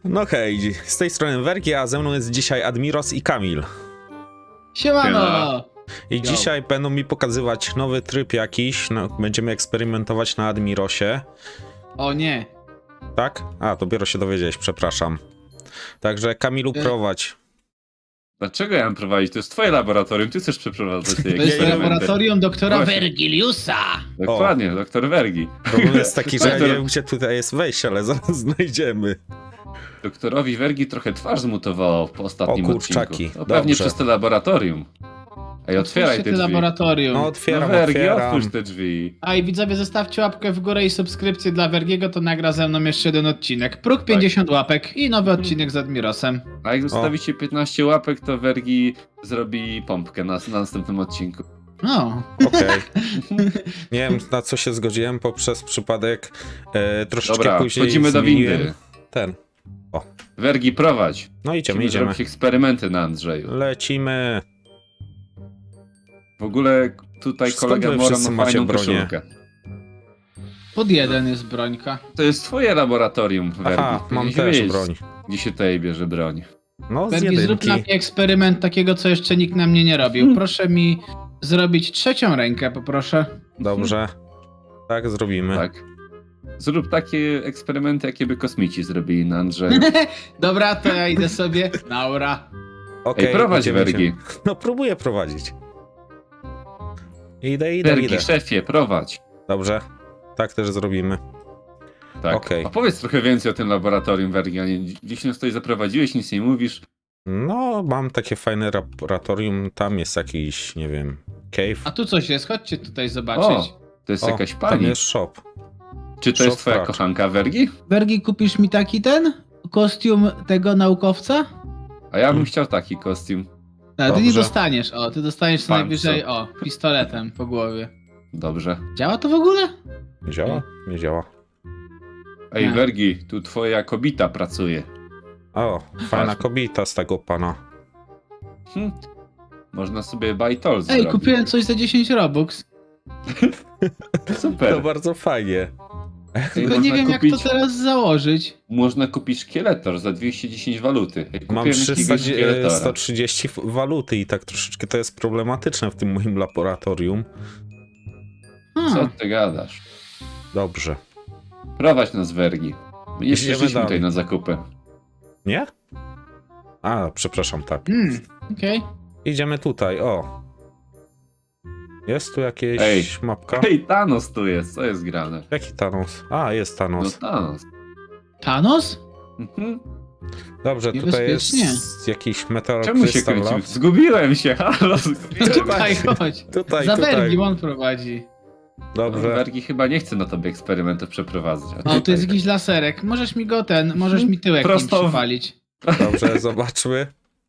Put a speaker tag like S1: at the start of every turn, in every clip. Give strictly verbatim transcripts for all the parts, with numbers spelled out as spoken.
S1: No hej, z tej strony Wergi, a ze mną jest dzisiaj Admiros i Kamil.
S2: Siemano!
S1: I
S2: Yo.
S1: dzisiaj będą mi pokazywać nowy tryb jakiś, no, będziemy eksperymentować na Admirosie.
S2: O nie.
S1: Tak? A, dopiero się dowiedziałeś, przepraszam. Także Kamilu,
S2: Y-
S1: prowadź.
S3: Dlaczego ja mam prowadzić? To jest twoje laboratorium, ty chcesz przeprowadzać te
S2: To jest
S3: eksperymenty.
S2: laboratorium doktora
S3: Właśnie.
S2: Vergiliusa.
S3: Dokładnie, doktor Wergi.
S1: Problem jest taki, że ja nie
S3: Doktor-
S1: wiem, gdzie tutaj jest wejście, ale zaraz znajdziemy.
S3: Doktorowi Wergi trochę twarz zmutowało po ostatnim
S1: O, kurczaki.
S3: odcinku. No pewnie
S1: Dobrze.
S3: przez to laboratorium. Ej, otwieraj
S2: Otwórzcie
S3: te
S2: te
S3: drzwi.
S2: laboratorium.
S1: No
S3: No
S1: otwieram,
S3: Wergi,
S1: otwieram.
S3: otwórz te drzwi.
S2: A i widzowie, zostawcie łapkę w górę i subskrypcję dla Vergiego, to nagra ze mną jeszcze jeden odcinek. Próg pięćdziesiąt łapek i nowy odcinek z Admirosem.
S3: A jak zostawicie piętnaście łapek, to Wergi zrobi pompkę na, na następnym odcinku.
S2: No.
S1: Okej. Nie wiem, na co się zgodziłem poprzez przypadek. E, troszeczkę
S3: Dobra,
S1: później
S3: wchodzimy do
S1: zmieniłem
S3: windy.
S1: ten.
S3: Wergi, prowadź.
S1: No idziemy,
S3: Musimy
S1: idziemy.
S3: zrobić eksperymenty na Andrzeju.
S1: Lecimy.
S3: W ogóle tutaj
S1: Skąd
S3: kolega
S1: wy
S3: Mora
S1: wszyscy
S3: ma
S1: macie
S3: fajną
S1: bronię?
S3: koszulkę.
S2: Pod jeden jest brońka.
S3: To jest twoje laboratorium, Wergi.
S1: Aha, mam
S3: Powinieneś
S1: też
S3: wiedzieć,
S1: broń.
S3: Gdzie się tutaj bierze broń.
S1: No z
S2: Vergi, zrób
S1: jedynki.
S2: na mnie eksperyment takiego, co jeszcze nikt na mnie nie robił. Proszę mi zrobić trzecią rękę, poproszę.
S1: Dobrze. Tak zrobimy.
S3: Tak. Zrób takie eksperymenty, jakie by kosmici zrobili na Andrzeju.
S2: Dobra, to ja idę sobie. Naura.
S1: Okej,
S3: Ej, prowadź,
S1: idziemy,
S3: Wergi.
S1: idziemy. No próbuję prowadzić. Idę, idę,
S3: Wergi,
S1: idę.
S3: szefie, prowadź.
S1: Dobrze. Tak też zrobimy.
S3: Tak.
S1: Okej.
S3: A powiedz trochę więcej o tym laboratorium, Wergi. A nie, gdzieś nas tutaj zaprowadziłeś, nic nie mówisz.
S1: No, mam takie fajne laboratorium. Tam jest jakiś, nie wiem, cave.
S2: A tu coś jest, chodźcie tutaj
S3: O,
S2: zobaczyć.
S3: to jest
S1: O,
S3: jakaś
S1: tam
S3: pani.
S1: jest shop.
S3: Czy to jest
S1: shop
S3: twoja
S1: raczej.
S3: kochanka, Wergi?
S2: Vergi, kupisz mi taki ten? Kostium tego naukowca?
S3: A ja bym
S1: Hmm.
S3: chciał taki kostium.
S2: No, ty nie
S1: Dobrze.
S2: dostaniesz, o, ty dostaniesz co
S3: Pan,
S2: najwyżej,
S3: co?
S2: o, pistoletem po głowie.
S3: Dobrze.
S2: Działa to w ogóle?
S1: Nie działa? Nie działa.
S3: Ej,
S2: Nie.
S3: Wergi, tu twoja kobita pracuje.
S1: O, fajna
S3: Patrz.
S1: kobieta z tego pana.
S3: Hm. Można sobie buy toll
S2: Ej,
S3: zrobić.
S2: kupiłem coś za dziesięć robux.
S3: Super.
S1: To bardzo fajnie.
S3: Ej,
S2: Tylko
S3: można
S2: nie wiem
S3: kupić,
S2: jak to teraz założyć.
S3: Można kupić szkieletor za dwieście dziesięć waluty. Ej,
S1: Mam
S3: kupiłem jakiegoś szkieletora.
S1: sto trzydzieści waluty i tak troszeczkę to jest problematyczne w tym moim laboratorium.
S2: Hmm.
S3: Co ty gadasz?
S1: Dobrze.
S3: Prowadź nas, Wergi. My nie
S1: Idziemy
S3: przyszliśmy
S1: dalej.
S3: tutaj na zakupy.
S1: Nie? A, przepraszam, tak.
S2: Hmm, okej.
S1: Idziemy tutaj, o. Jest tu jakieś
S3: Ej.
S1: mapka?
S3: Ej, Thanos tu jest, co jest grane?
S1: Jaki Thanos? A, jest
S3: No
S1: Thanos.
S3: Thanos.
S2: Thanos?
S3: Mhm.
S1: Dobrze, tutaj jest
S2: Niebezpiecznie.
S1: jakiś meteor
S3: Czemu się
S1: Crystal
S3: kręcimy?
S1: Lab.
S3: Zgubiłem się, halo,
S2: No
S3: zgubiłem
S2: tutaj,
S3: się.
S2: chodź.
S1: Tutaj,
S2: Za
S1: tutaj.
S2: Vergi on prowadzi.
S1: Dobrze.
S3: Wergi chyba nie chce na tobie eksperymentów przeprowadzać. a
S2: O, tu
S3: tutaj-
S2: jest jakiś laserek. Możesz mi go ten, możesz mi tyłek nim
S3: Prosto w-
S2: przypalić.
S1: Dobrze, zobaczmy.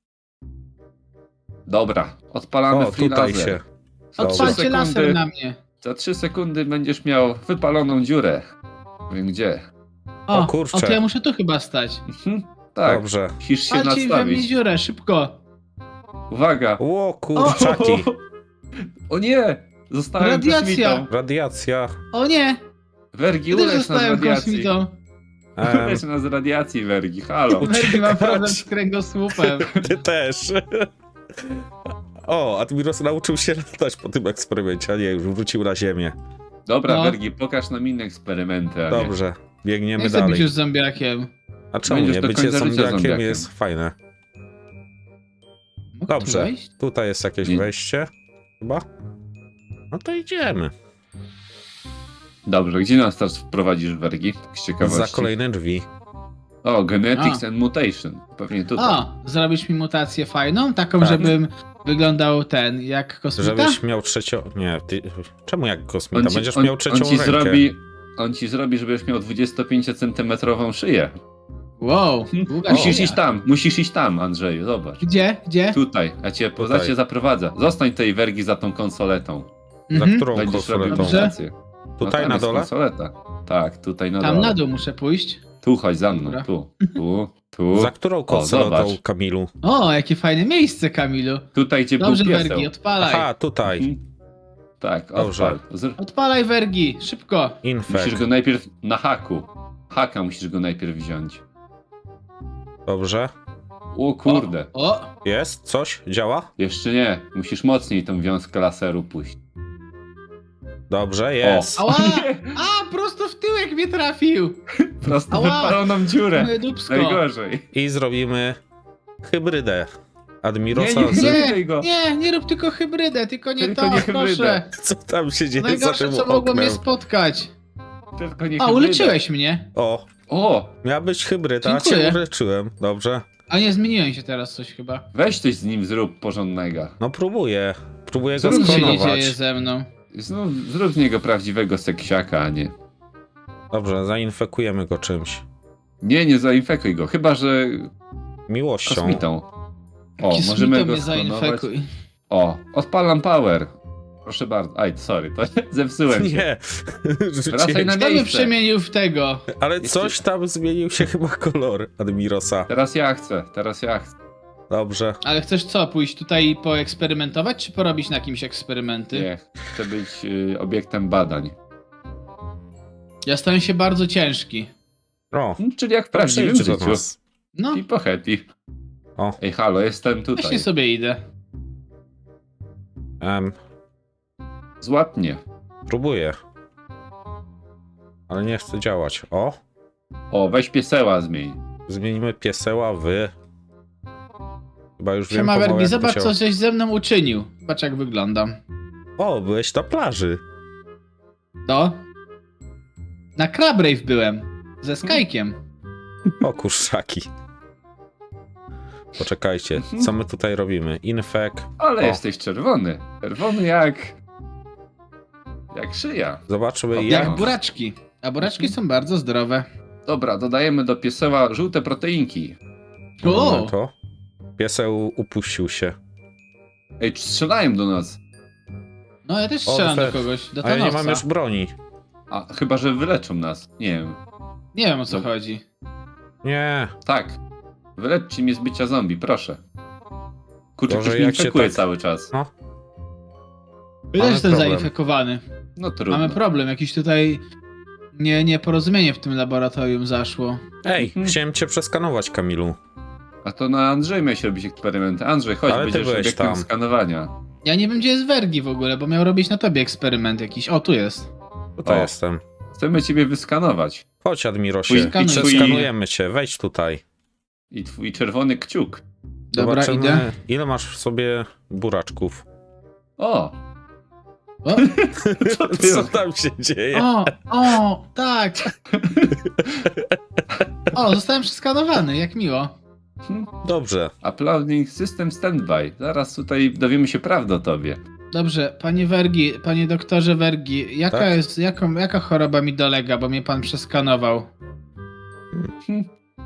S3: Dobra, odpalamy
S1: O,
S3: free
S1: tutaj
S3: laser.
S1: się.
S2: Odpalcie
S3: sekundy.
S2: laser na mnie.
S3: Za trzy sekundy będziesz miał wypaloną dziurę. Wiem gdzie.
S2: O,
S1: O, kurczę.
S2: o to ja muszę tu chyba stać.
S3: Mhm. Tak,
S1: Dobrze.
S3: musisz się
S2: Palcie we mnie
S3: nastawić.
S2: dziurę, szybko.
S3: Uwaga!
S1: O, kurczaki.
S3: O nie! Zostałem
S2: Radiacja.
S3: kosmitą.
S1: Radiacja.
S2: O nie,
S3: Wergi,
S2: ja też
S3: ulecz nas z
S2: zostałem
S3: radiacji.
S2: kosmitą.
S1: Em,
S3: Ulecz nas z radiacji, Wergi, halo.
S2: Vergi ma problem z kręgosłupem.
S1: ty też. O, Admiros nauczył się latać po tym eksperymencie, a nie, już wrócił na ziemię.
S3: Dobra,
S2: No.
S3: Wergi, pokaż nam inne eksperymenty, a nie.
S1: Dobrze, biegniemy
S2: Nie chcę być
S1: dalej.
S2: już zombiakiem.
S1: A czemu
S3: Będziesz
S1: nie?
S3: do
S1: Bycie
S3: końca życia
S1: zombiakiem
S3: zombiakiem.
S1: jest fajne.
S2: Mogę tu
S1: Dobrze,
S2: wejść?
S1: tutaj jest jakieś
S3: Nie.
S1: wejście. Chyba? No to idziemy.
S3: Dobrze, gdzie nas teraz wprowadzisz, Wergi? Z ciekawości.
S1: Za kolejne drzwi.
S3: O, Genetics
S2: A.
S3: and Mutation. Pewnie tutaj.
S2: O, zrobisz mi mutację fajną? Taką,
S1: Tak.
S2: żebym wyglądał ten, jak kosmita?
S1: Żebyś miał trzecią... Nie, ty... czemu jak kosmita?
S3: On ci,
S1: Będziesz
S3: on,
S1: miał trzecią
S3: on ci
S1: rękę.
S3: zrobi, on ci zrobi, żebyś miał dwudziestopięciocentymetrową szyję.
S2: Wow, długa
S3: Musisz
S2: szyja.
S3: iść tam, musisz iść tam, Andrzeju, zobacz.
S2: Gdzie? Gdzie?
S3: Tutaj, ja cię,
S1: Tutaj.
S3: ja cię zaprowadzę. Zostań tej Wergi za tą konsoletą.
S1: Za
S2: Mhm.
S1: którą
S3: Będziesz robił
S1: konsoletą?
S2: Dobrze.
S3: mutację.
S1: Tutaj
S3: tam
S1: na
S3: jest
S1: dole?
S3: konsoleta. Tak, tutaj na
S2: Tam
S3: dole.
S2: na dół muszę pójść.
S3: Tu chodź za mną,
S2: Dobra.
S3: tu, tu, tu.
S1: Za którą konsoletą,
S3: zobacz.
S1: Kamilu?
S2: O, jakie fajne miejsce, Kamilu.
S3: Tutaj gdzie
S2: Dobrze,
S3: był pieseł.
S2: Vergi, odpalaj.
S1: Aha, tutaj.
S3: Mhm. Tak,
S1: Dobrze.
S3: odpal. Zr-
S2: Odpalaj, Vergi, szybko.
S3: Musisz
S1: Infekt.
S3: go najpierw na haku. Haka musisz go najpierw wziąć.
S1: Dobrze.
S3: O kurde.
S2: O,
S1: Jest? Coś? Działa?
S3: Jeszcze nie. Musisz mocniej tą wiązkę laseru puścić.
S1: Dobrze, jest.
S2: ała! A, prosto w tyłek mnie trafił!
S3: Prosto
S2: Ała!
S3: wypalą nam dziurę.
S2: Moje dupsko.
S3: Najgorzej.
S1: I zrobimy hybrydę Admirosa
S3: Nie, nie,
S1: z...
S3: nie.
S2: Nie,
S3: Daj go.
S2: nie, nie rób tylko hybrydę, tylko nie
S3: Tylko
S2: to,
S3: nie hybrydę.
S2: proszę.
S1: Co tam się dzieje za
S2: Najgorsze,
S1: tym
S2: co mogło mnie
S1: oknem?
S2: spotkać.
S3: Tylko nie
S2: A,
S3: hybryda.
S2: uleczyłeś mnie.
S1: O,
S3: O,
S1: miała być hybryda, a
S2: Dziękuję.
S1: cię uleczyłem. Dobrze.
S2: A nie, zmieniłem się teraz coś chyba.
S3: weź coś z nim zrób porządnego.
S1: No próbuję. Próbuję go
S3: Zrób
S2: Nic się nie dzieje
S1: sklonować.
S2: ze mną.
S3: Znów zrób z niego prawdziwego seksiaka, a nie.
S1: Dobrze, zainfekujemy go czymś.
S3: Nie, nie zainfekuj go, chyba że
S1: Miłością.
S3: kosmitą. O,
S2: Kismito
S3: możemy go
S2: mnie
S3: sklonować.
S2: zainfekuj.
S3: O, odpalam power. Proszę bardzo. Aj, sorry, to zepsułem się.
S1: Nie.
S3: Wracaj na
S2: Kto by
S3: miejsce.
S2: przemienił w tego?
S1: Ale coś tam zmienił się chyba kolor Admirosa.
S3: Teraz ja chcę, teraz ja chcę.
S1: Dobrze.
S2: Ale chcesz co, pójść tutaj poeksperymentować, czy porobić na kimś eksperymenty?
S3: Nie, chcę być y, obiektem badań.
S2: Ja stałem się bardzo ciężki.
S1: O,
S3: No, czyli jak w prawdziwym
S1: przyjdź do
S3: życiu.
S1: nas.
S2: No,
S3: I po happy.
S1: O.
S3: Ej, halo, jestem
S2: właśnie
S3: tutaj.
S2: sobie idę.
S1: Em,
S3: Złap mnie.
S1: próbuję. Ale nie chce działać. O,
S3: O, weź pieseła zmień.
S1: zmienimy pieseła w... Chyba już wiem
S2: Siema
S1: pomału,
S2: Wergi,
S1: jak
S2: zobacz
S1: to
S2: co
S1: się...
S2: żeś ze mną uczynił. Patrz jak wyglądam.
S1: O, byłeś na plaży.
S2: No. Na Crabrave byłem. Ze Skykiem.
S1: O, kurczaki. Poczekajcie, co my tutaj robimy? Infek.
S3: Ale
S1: O.
S3: jesteś czerwony. Czerwony jak... Jak szyja.
S1: Zobaczmy
S3: O,
S1: jak...
S2: Jak buraczki. A buraczki są bardzo zdrowe.
S3: Dobra, dodajemy do pieseła żółte proteinki.
S2: O!
S1: Mamy to. Pieseł upuścił się.
S3: Ej, strzelają do nas.
S2: No ja też
S1: O,
S2: strzelam do
S1: Fer.
S2: kogoś. Do
S1: A ja nie mam
S2: Thanosa.
S1: już broni.
S3: A, chyba, że wyleczą nas. Nie wiem.
S2: Nie wiem o co
S3: No.
S2: chodzi.
S1: Nie.
S3: Tak. Wyleczcie mnie z bycia zombie, proszę. Kurczę,
S1: Boże,
S3: ktoś mnie
S1: jak się
S3: infekuje
S1: tak-
S3: cały czas.
S1: No.
S2: Ja
S1: Mamy
S2: też jestem
S1: problem.
S2: zainfekowany.
S3: No trudno.
S2: Mamy problem, jakiś tutaj nie, nieporozumienie w tym laboratorium zaszło.
S1: Ej,
S3: Mhm.
S1: chciałem cię przeskanować, Kamilu.
S3: A to na Andrzej miałeś robić eksperymenty. Andrzej, chodź,
S1: Ale ty
S3: będziesz
S1: byłeś
S3: obiektem
S1: tam.
S3: skanowania.
S2: Ja nie wiem gdzie jest Wergi w ogóle, bo miał robić na tobie eksperyment jakiś. O, tu jest.
S1: Tutaj
S3: O.
S1: jestem.
S3: Chcemy ciebie wyskanować.
S1: Chodź, Admirosie.
S3: Twój-
S2: Skanuj.
S1: Przeskanujemy cię. Wejdź tutaj.
S3: I twój czerwony kciuk.
S2: Dobra,
S1: Zobaczymy,
S2: idę.
S1: ile masz w sobie buraczków.
S3: O!
S2: O,
S3: Co ty
S1: Co tam się dzieje?
S2: o, o, tak. O, zostałem przeskanowany, jak miło.
S1: Dobrze.
S3: Uploading system standby. Zaraz tutaj dowiemy się prawdy o tobie.
S2: Dobrze, panie Wergi, panie doktorze Wergi, jaka
S1: Tak?
S2: jest, jaką, jaka choroba mi dolega, bo mnie pan przeskanował?
S3: Hm.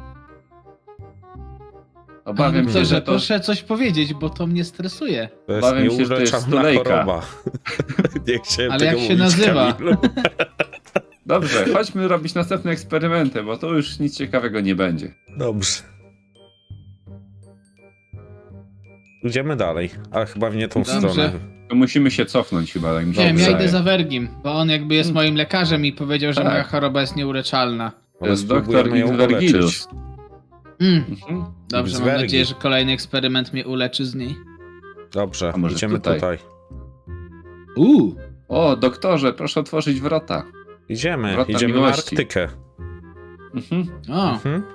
S2: Panie
S3: Obawiam się,
S2: doktorze,
S3: że to...
S2: proszę coś powiedzieć, bo to mnie stresuje.
S1: To jest
S3: Obawiam się, że to jest
S1: nieuleczalna
S3: stulejka.
S1: choroba. Nie chciałem
S2: Ale
S1: tego
S2: jak się
S1: mówić,
S2: nazywa?
S1: Kamilu.
S3: Dobrze, chodźmy robić następne eksperymenty, bo to już nic ciekawego nie będzie.
S1: Dobrze. Idziemy dalej, ale chyba w nie tą
S2: Dobrze.
S1: stronę.
S3: To musimy się cofnąć chyba. Tak mi się
S2: Nie wiem, ja
S3: wydaje.
S2: idę za Wergim, bo on jakby jest
S3: Hmm.
S2: moim lekarzem i powiedział, że
S3: Tak.
S2: moja choroba jest nieuleczalna.
S3: To jest doktor
S1: spróbujemy ją
S3: X
S1: uleczyć.
S3: Vergilus.
S2: Mm,
S3: Mhm.
S2: dobrze,
S1: Z
S2: mam
S1: Wergi.
S2: nadzieję, że kolejny eksperyment mnie uleczy z niej.
S1: Dobrze,
S3: A może
S1: idziemy
S3: tutaj?
S1: tutaj.
S2: Uuu,
S3: O, doktorze, proszę otworzyć wrota.
S1: Idziemy,
S3: Wrota
S1: idziemy na
S3: miłości.
S1: Arktykę.
S3: Mhm.
S2: o,
S1: Mhm.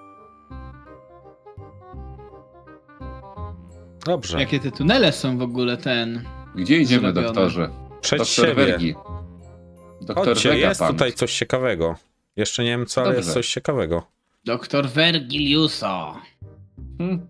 S1: Dobrze.
S2: jakie te tunele są w ogóle ten...
S3: Gdzie idziemy,
S2: Zrobione.
S3: doktorze?
S1: Przed
S3: Doktor
S1: siebie.
S3: Wergi. Doktor
S1: Chodźcie, jest
S3: Vegapunk.
S1: tutaj coś ciekawego. Jeszcze nie wiem co, ale
S3: Dobrze.
S1: jest coś ciekawego.
S2: Doktor Vergiliuso.
S3: Hmm?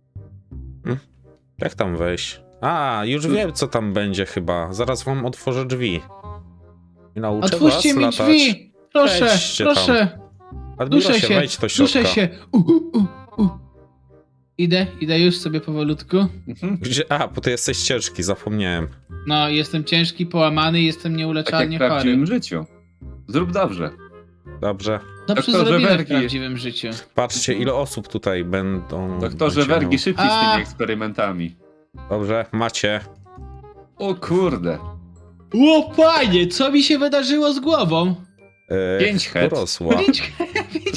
S1: Jak tam wejść? A, już
S3: Tu-
S1: wiem co tam będzie chyba. Zaraz wam otworzę drzwi. I nauczę
S2: Otwórzcie
S1: was
S2: mi
S1: latać.
S2: drzwi! Proszę,
S1: Wejdźcie
S2: proszę!
S1: Admirosie,
S2: Duszę się,
S1: wejdź do środka.
S2: duszę się! U, u, u, u. Idę, idę już sobie powolutku.
S3: Mhm.
S1: Gdzie? A, bo ty jesteś ciężki, zapomniałem.
S2: No, jestem ciężki, połamany, jestem
S3: Tak jak
S2: nieuleczalnie
S3: w
S2: chory.
S3: prawdziwym życiu. Zrób dobrze.
S1: Dobrze.
S2: Dobrze
S3: Doktorze
S2: zrobiłem w
S3: Wergi.
S2: prawdziwym życiu.
S1: Patrzcie, ile osób tutaj będą...
S3: Doktorze
S1: będzie
S3: Wergi,
S1: miał.
S3: szybciej z
S2: A.
S3: tymi eksperymentami.
S1: Dobrze, macie.
S3: O kurde.
S2: Ło, panie, co mi się wydarzyło z głową?
S1: E,
S3: Pięć het.
S1: Urosła.
S2: Pięć, pięć head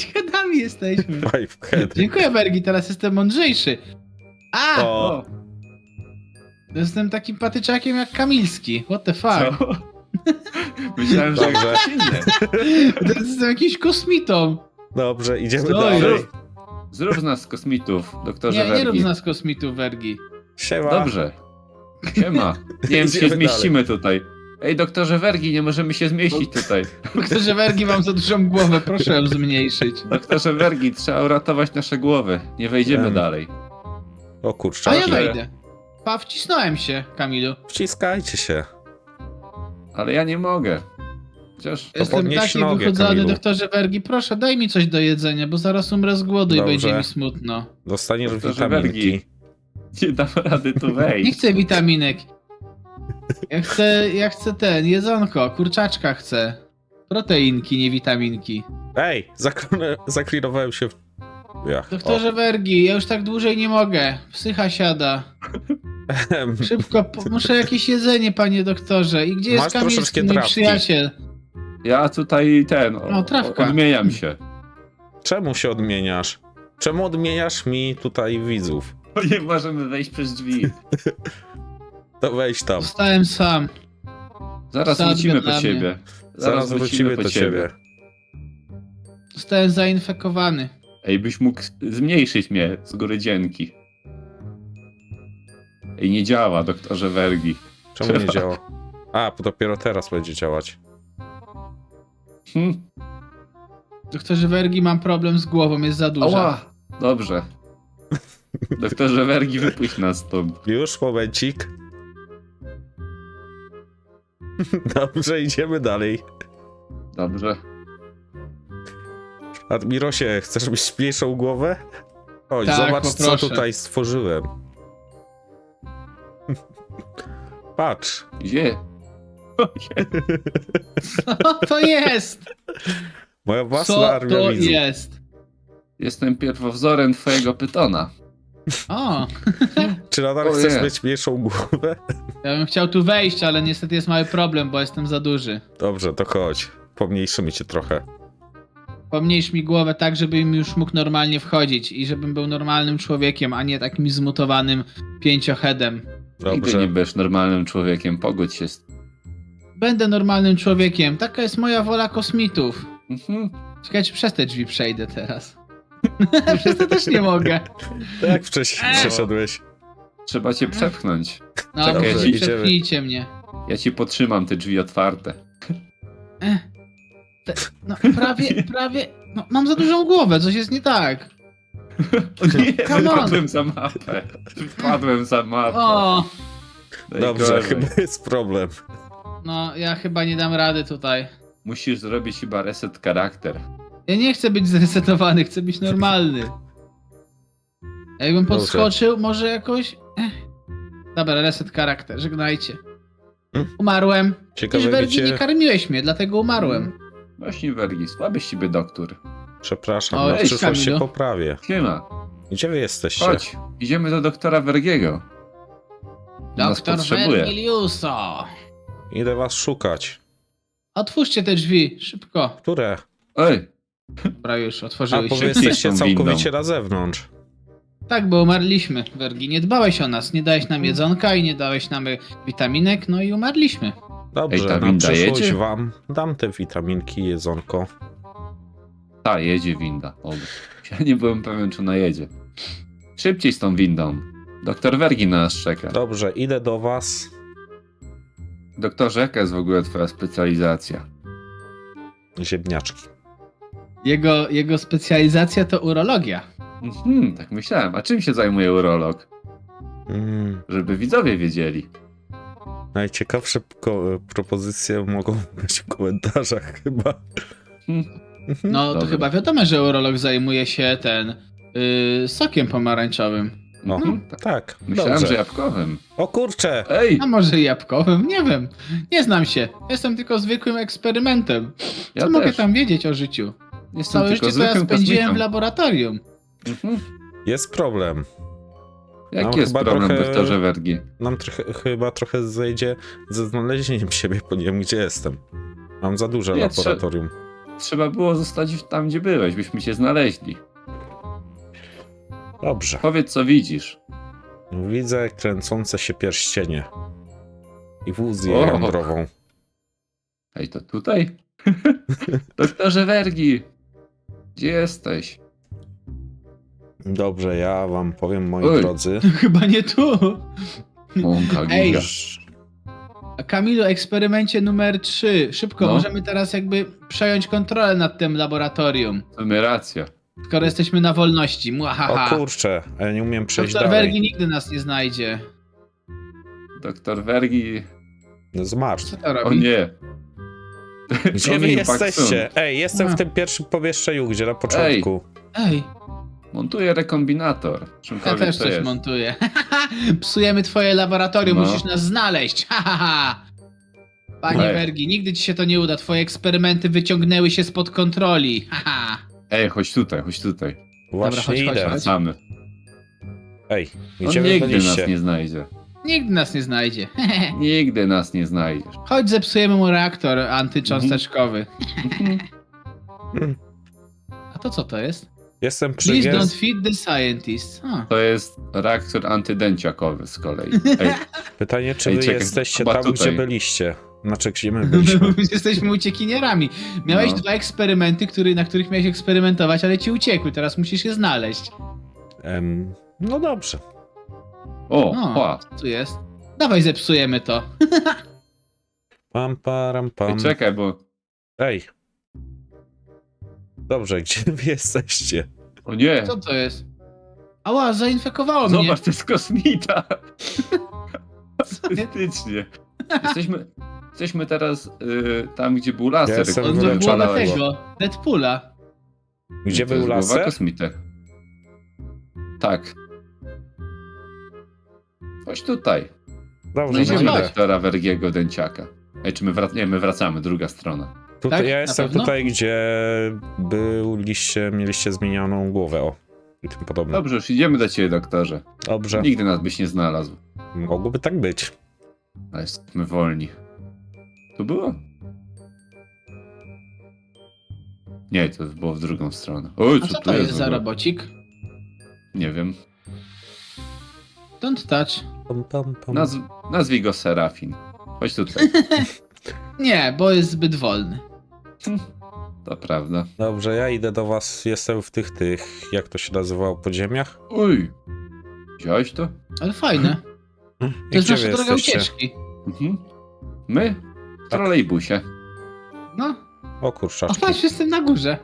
S2: sami jesteśmy.
S1: Five head.
S2: Dziękuję, Bergi, teraz jestem mądrzejszy. A!
S1: O,
S2: Jestem takim patyczakiem jak Kamilski. What the fuck?
S3: Co? Myślałem, że
S1: Dobrze.
S3: ktoś inny.
S2: Jestem jakimś kosmitą.
S1: dobrze, idziemy
S2: Co
S1: dalej.
S2: jest?
S3: Zrób z nas kosmitów, doktorze
S2: Nie, nie rób
S3: Wergi.
S2: z nas kosmitów, Wergi.
S1: Siema.
S3: Dobrze. Siema. Nie wiem, czy się
S1: Idziemy
S3: zmieścimy tutaj. Ej, doktorze Wergi, nie możemy się zmieścić tutaj.
S2: Doktorze Wergi, mam za dużą głowę, proszę ją zmniejszyć.
S3: Doktorze Wergi, trzeba uratować nasze głowy. Nie wejdziemy
S1: Em.
S3: dalej.
S1: O kurczę,
S2: A ja
S3: Czekaj.
S2: wejdę. Pa, wcisnąłem się, Kamilu.
S1: wciskajcie się.
S3: Ale ja nie mogę. Chociaż...
S2: Jestem
S1: podnieś
S2: taki
S1: nogę,
S2: wychudzony,
S1: Kamilu.
S2: doktorze Wergi, proszę, daj mi coś do jedzenia, bo zaraz umrę z głodu
S1: Dobrze.
S2: i będzie mi smutno.
S1: Dostaniesz
S3: Doktorze
S1: witaminki.
S3: Wergi. Nie dam rady tu
S2: Nie
S3: wejść.
S2: chcę witaminek. Ja chcę, ja chcę ten, jedzonko, kurczaczka chcę. Proteinki, nie witaminki.
S1: Ej, zakl- zaklinowałem się w... Ja.
S2: Doktorze Wergi, ja już tak dłużej nie mogę. Psycha siada.
S1: O.
S2: Szybko, po, muszę jakieś jedzenie, panie doktorze. I gdzie
S1: Masz
S2: jest Kamilski,
S1: troszeczkę
S2: mój
S1: trawki.
S2: przyjaciel?
S3: Ja tutaj ten... O,
S2: O, trawka.
S3: Odmieniam się.
S1: Czemu się odmieniasz? Czemu odmieniasz mi tutaj widzów?
S3: Bo nie możemy wejść przez drzwi.
S1: To wejdź tam.
S2: Zostałem sam.
S3: Zaraz
S2: Sadga
S3: wrócimy
S2: dla
S3: po
S2: mnie.
S3: ciebie.
S1: Zaraz wrócimy do ciebie.
S2: Zostałem zainfekowany.
S3: Ej, byś mógł zmniejszyć mnie z góry dzięki. Ej, nie działa, doktorze Wergi.
S1: Czemu nie działa? A, bo dopiero teraz będzie działać.
S3: Hm?
S2: Doktorze Wergi, mam problem z głową, jest za duża.
S3: Ała! Dobrze. Doktorze Wergi, wypuść nas stąd.
S1: Już, momencik. Dobrze, idziemy dalej.
S3: Dobrze.
S1: Admirosie, chcesz mieć mniejszą głowę? Chodź,
S2: Tak,
S1: zobacz, co
S2: poproszę.
S1: tutaj stworzyłem. Patrz.
S3: Gdzie?
S2: Co to jest?
S1: Moja własna
S2: Co
S1: armia
S2: to
S1: widzów.
S2: jest?
S3: Jestem pierwowzorem twojego pytona.
S2: O,
S1: Czy nadal
S3: O
S1: chcesz
S3: nie.
S1: mieć mniejszą głowę?
S2: ja bym chciał tu wejść, ale niestety jest mały problem, bo jestem za duży.
S1: Dobrze, to chodź. Pomniejszymy cię trochę.
S2: Pomniejsz mi głowę tak, żebym już mógł normalnie wchodzić i żebym był normalnym człowiekiem, a nie takim zmutowanym pięcioheadem.
S3: Nigdy nie
S1: Dobrze.
S3: będziesz normalnym człowiekiem, pogódź się z...
S2: Będę normalnym człowiekiem, taka jest moja wola kosmitów.
S3: Mhm.
S2: Czekaj, czy przez te drzwi przejdę teraz. Przez te też nie mogę.
S1: Tak jak wcześniej
S2: Eee.
S1: przeszedłeś.
S3: Trzeba cię przepchnąć.
S2: No,
S3: Czekaj,
S2: może
S1: idziemy.
S2: przepchnijcie mnie.
S3: Ja ci potrzymam te drzwi otwarte.
S2: Eh, te, no, prawie, prawie... No, mam za dużą głowę, coś jest nie tak.
S3: O nie,
S2: Come on.
S3: wypadłem za mapę. Wypadłem za mapę.
S2: O,
S1: Dobrze,
S3: Najgorzej.
S1: chyba jest problem.
S2: no ja chyba nie dam rady tutaj.
S3: Musisz zrobić chyba reset charakter.
S2: Ja nie chcę być zresetowany, chcę być normalny. Jakbym
S1: Dobrze.
S2: podskoczył, może jakoś... Ech. Dobra, reset charakter, żegnajcie.
S1: Hmm?
S2: Umarłem.
S1: Ciekawe
S2: Przecież Wergi
S1: wiecie...
S2: nie karmiłeś mnie, dlatego umarłem.
S3: Właśnie Wergi, słaby z ciebie doktor.
S1: Przepraszam,
S2: O,
S1: na
S2: cześć,
S1: przyszłość się
S2: Kamilu.
S1: poprawię.
S3: Siema,
S1: Gdzie wy jesteście?
S3: chodź, idziemy do doktora Wergiego. Nas
S2: Doktor
S3: potrzebuje.
S2: Vergiliuso.
S1: Idę was szukać.
S2: Otwórzcie te drzwi, szybko.
S1: Które?
S3: Ej,
S2: Dobra, już
S1: A,
S2: otworzyły
S1: bo
S2: się.
S1: wy jesteście
S3: tą
S1: całkowicie
S3: windą.
S1: na zewnątrz.
S2: Tak, bo umarliśmy, Wergi. Nie dbałeś o nas, nie dałeś nam jedzonka i nie dałeś nam witaminek, no i umarliśmy.
S1: Dobrze,
S3: Ej, ta
S1: na
S3: winda
S1: przyszłość
S3: jedzie?
S1: wam dam te witaminki, jedzonko.
S3: ta jedzie winda. O, ja nie byłem pewien, czy ona jedzie. Szybciej z tą windą. Doktor Wergi na nas czeka.
S1: Dobrze, idę do was.
S3: Doktorze, jaka jest w ogóle twoja specjalizacja?
S1: Ziemniaczki.
S2: Jego, jego specjalizacja to urologia.
S3: Mhm, tak myślałem. A czym się zajmuje urolog?
S1: Mm,
S3: Żeby widzowie wiedzieli.
S1: najciekawsze ko- propozycje mogą być w komentarzach chyba.
S3: Hmm.
S2: No to
S3: Dobra.
S2: chyba wiadomo, że urolog zajmuje się ten yy, sokiem pomarańczowym.
S1: O,
S3: Mhm, tak.
S1: tak,
S3: Myślałem,
S1: dobrze.
S3: że jabłkowym.
S1: O kurczę!
S3: Ej,
S2: A może jabłkowym? Nie wiem. Nie znam się. Jestem tylko zwykłym eksperymentem. Co
S3: ja
S2: mogę
S3: też.
S2: tam wiedzieć o życiu?
S3: Jestem
S2: Całe
S3: tylko
S2: życie to ja
S3: zwykłym
S2: spędziłem w
S3: kosmitą.
S2: laboratorium.
S3: Mhm.
S1: Jest problem.
S3: Jaki
S1: No,
S3: jest
S1: chyba
S3: problem,
S1: trochę-
S3: doktorze Wergi?
S1: Nam trochę, chyba trochę zejdzie ze znalezieniem siebie, bo nie wiem gdzie jestem. Mam za duże
S3: Nie,
S1: laboratorium.
S3: trzeba było zostać tam, gdzie byłeś, byśmy cię znaleźli.
S1: Dobrze.
S3: Powiedz, co widzisz.
S1: Widzę kręcące się pierścienie. I wózję
S3: O.
S1: jądrową.
S3: Ej, to tutaj? Doktorze Wergi! Gdzie jesteś?
S1: Dobrze, ja wam powiem, moi
S3: Oj.
S1: drodzy.
S2: Chyba nie tu.
S3: Mąka
S2: Ej.
S3: giga.
S2: A Kamilu, eksperymencie numer trzy. Szybko,
S3: No.
S2: możemy teraz jakby przejąć kontrolę nad tym laboratorium.
S3: W sumie racja.
S2: Skoro jesteśmy na wolności.
S1: O
S2: Muahaha.
S1: kurczę, a ja nie umiem przejść
S2: Doktor
S1: dalej.
S2: Wergi nigdy nas nie znajdzie.
S3: Doktor Wergi...
S1: Zmarł.
S2: Co to
S3: O
S2: robi?
S3: nie.
S1: Gdzie wy
S3: Omin
S1: jesteście?
S3: Baksun.
S1: Ej, jestem
S2: A.
S1: w tym pierwszym pomieszczeniu, gdzie na początku.
S2: Ej,
S3: Montuje rekombinator.
S2: ja
S3: Czymkolwiek
S2: też
S3: to
S2: coś
S3: jest.
S2: montuję. Psujemy twoje laboratorium,
S3: No.
S2: musisz nas znaleźć. Ha, ha, ha. Panie
S3: Ej.
S2: Wergi, nigdy ci się to nie uda. Twoje eksperymenty wyciągnęły się spod kontroli. Ha, ha.
S3: Ej, chodź tutaj, chodź tutaj.
S1: Właśnie
S2: chodź, chodź,
S1: idę.
S2: chodź.
S3: Wracamy.
S1: Ej,
S3: On
S1: gdzie wy
S3: nigdy nas
S1: byliście?
S3: nie znajdzie.
S2: Nigdy nas nie znajdzie.
S3: Nigdy nas nie znajdziesz.
S2: Chodź, zepsujemy mu reaktor antycząsteczkowy.
S1: Hmm.
S2: A to co to jest?
S1: Jestem przy
S2: Please don't
S1: gest...
S2: feed the scientist. A.
S3: To jest reaktor antydęciakowy z kolei. Ej,
S1: Pytanie, czy
S3: Ej,
S1: wy
S3: czekaj,
S1: jesteście
S3: chyba
S1: tam,
S3: tutaj.
S1: gdzie byliście? Znaczy, gdzie my byliśmy?
S2: Jesteśmy uciekinierami. Miałeś
S3: No.
S2: dwa eksperymenty, który, na których miałeś eksperymentować, ale ci uciekły. Teraz musisz je znaleźć.
S1: Em, no dobrze.
S3: o,
S2: O,
S3: pa.
S2: co tu jest? Dawaj, zepsujemy to.
S1: Pam, param, pam.
S3: Ej, czekaj, bo...
S1: Ej. Dobrze, gdzie wy jesteście?
S3: O nie!
S2: Co to jest? Ała, zainfekowało mnie.
S3: Zobacz, to jest kosmita!
S2: Nie?
S3: Faktycznie. Jesteśmy, jesteśmy teraz y, tam, gdzie był laser.
S1: Ja jestem
S3: który
S2: On ma
S1: wręcz
S2: głowę
S1: szalałem.
S2: tego, Deadpoola.
S1: Gdzie
S3: To
S1: był
S3: jest głowa
S1: laser?
S3: kosmity. Tak. Chodź tutaj.
S1: Dobrze,
S3: Znajdziemy
S1: no idę.
S3: doktora Wergiego Dęciaka. Ej, czy my, wrac- nie, my wracamy, druga strona.
S1: Tutaj,
S2: Tak?
S1: ja
S2: Na
S1: jestem
S2: pewno?
S1: tutaj, gdzie byliście, mieliście zmienioną głowę, o. I tym podobne.
S3: Dobrze, już idziemy do ciebie, doktorze.
S1: Dobrze.
S3: Nigdy nas byś nie znalazł.
S1: Mogłoby tak być.
S3: Ale jesteśmy wolni. Tu było? Nie, to było w drugą stronę. Oj,
S2: A
S3: co
S2: co
S3: tu
S2: to jest
S3: w
S2: za
S3: ogóle?
S2: robocik?
S3: Nie wiem.
S2: Don't touch.
S1: Pam, pam, pam.
S3: Nazw nazwij go Serafin. Chodź tutaj.
S2: Nie, bo jest zbyt wolny.
S3: To prawda.
S1: Dobrze, ja idę do was. Jestem w tych, tych, jak to się nazywało, podziemiach.
S3: Oj! Widziałeś to?
S2: Ale fajne.
S1: I
S2: To jest
S1: gdzie
S2: nasza
S1: wy
S2: droga
S1: jesteście?
S2: ucieczki.
S3: Mhm. My? W trolejbusie.
S2: No,
S1: O
S2: o
S1: kurczaczki.
S2: patrz, jestem na górze.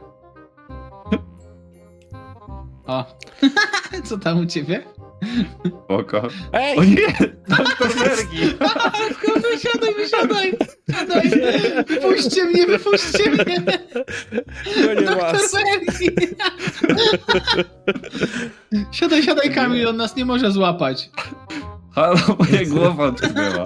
S2: O. Co tam u ciebie?
S3: Spoko.
S1: Ej!
S3: O nie! Doktor Wergi!
S2: Wysiadaj, siadaj, wysiadaj! Siadaj! Wypuśćcie mnie, wypuśćcie mnie!
S1: Gonię
S2: Doktor
S1: was.
S2: Wergi! Siadaj, siadaj, Kamil, on nas nie może złapać.
S3: Halo, moja głowa odknęła.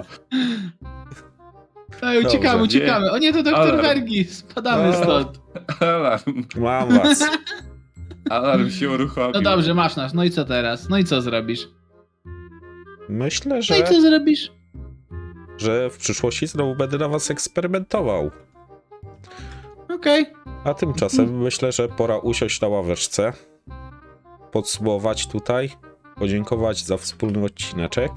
S2: Ej, uciekamy,
S1: Dobrze,
S2: uciekamy. O nie, to doktor
S3: Alarm.
S2: Wergi. Spadamy
S1: O.
S2: stąd.
S3: Alarm.
S1: Mam was.
S3: Alarm się uruchomił.
S2: No dobrze, masz nas. No i co teraz? No i co zrobisz?
S1: Myślę,
S2: No i
S1: że,
S2: co zrobisz?
S1: że w przyszłości znowu będę na was eksperymentował.
S2: Okej.
S1: A tymczasem myślę, że pora usiąść na ławeczce, podsumować tutaj, podziękować za wspólny odcineczek.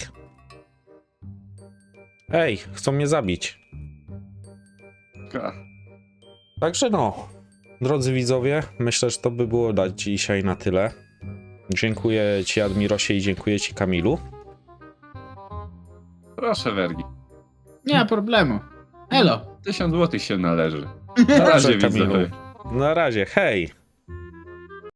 S1: Ej, chcą mnie zabić.
S3: Ka.
S1: Także no, drodzy widzowie, myślę, że to by było na dzisiaj na tyle. Dziękuję ci, Admirosie, i dziękuję ci, Kamilu.
S3: Proszę, Wergi.
S2: Nie ma problemu. Elo.
S3: Tysiąc złotych się należy. Na
S1: Dobrze,
S3: razie,
S1: Kamilu.
S3: widzowie.
S1: Na razie, hej!